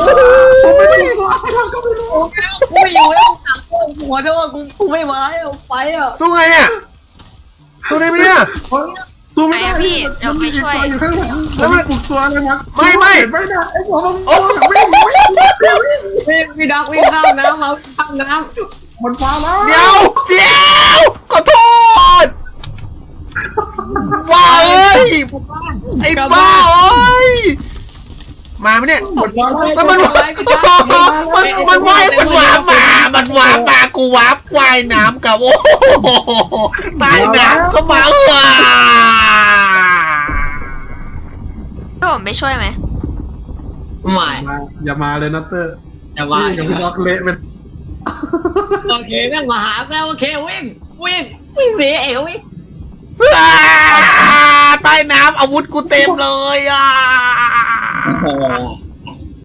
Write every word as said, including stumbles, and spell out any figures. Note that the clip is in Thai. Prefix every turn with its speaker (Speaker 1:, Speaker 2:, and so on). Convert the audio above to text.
Speaker 1: ผมไม่รู้ว่าก็ไม่รู้
Speaker 2: กูไม่อยู่แล้วกูหัวโทษกูกูไม่ไหวอ่ะไปอ่ะ
Speaker 3: สู้ไงเนี่ยสู้ได้ไหมเนี่ย
Speaker 1: สู้ไม่ได้อยู่ข้างหลังแล้วมันปลุกตัวเลยมั้งไม่ได้ไอ้หัวมันวิ่งวิ่งวิ่ง
Speaker 2: พี่พี่ดักวิ่งข้ามน้ำมาข้ามน้
Speaker 1: มันฟ้าแล้ว
Speaker 3: เดี๋ยวเดี๋ยวขอโทษว้าเอ้ย
Speaker 2: ำ
Speaker 3: ไอ้บ้าเอ้ยมาไหมเนี่ย
Speaker 1: มันฟ้าแล้ว
Speaker 3: มันมันมันมันว่ายมันวาร์ปมา มันวาร์ปมากูวาร์ปว่ายน้ำกับโอ้โหใต้น้ำก็มาเออ
Speaker 4: พี่ผมไปช่วยไหม
Speaker 2: ใหม่
Speaker 1: อย่ามาเลยนะเตอร์
Speaker 2: อย่าว่า
Speaker 1: อย่าไปล็อกเละเป็น
Speaker 2: โอเคนั่งมาหาแล้วโอเควิ่งวิ่งวิ่งหนีเอ๋วิ่ง
Speaker 3: อ่าใต้น้ำอาวุธกูเต็มเลยอ่ะ
Speaker 2: โอ้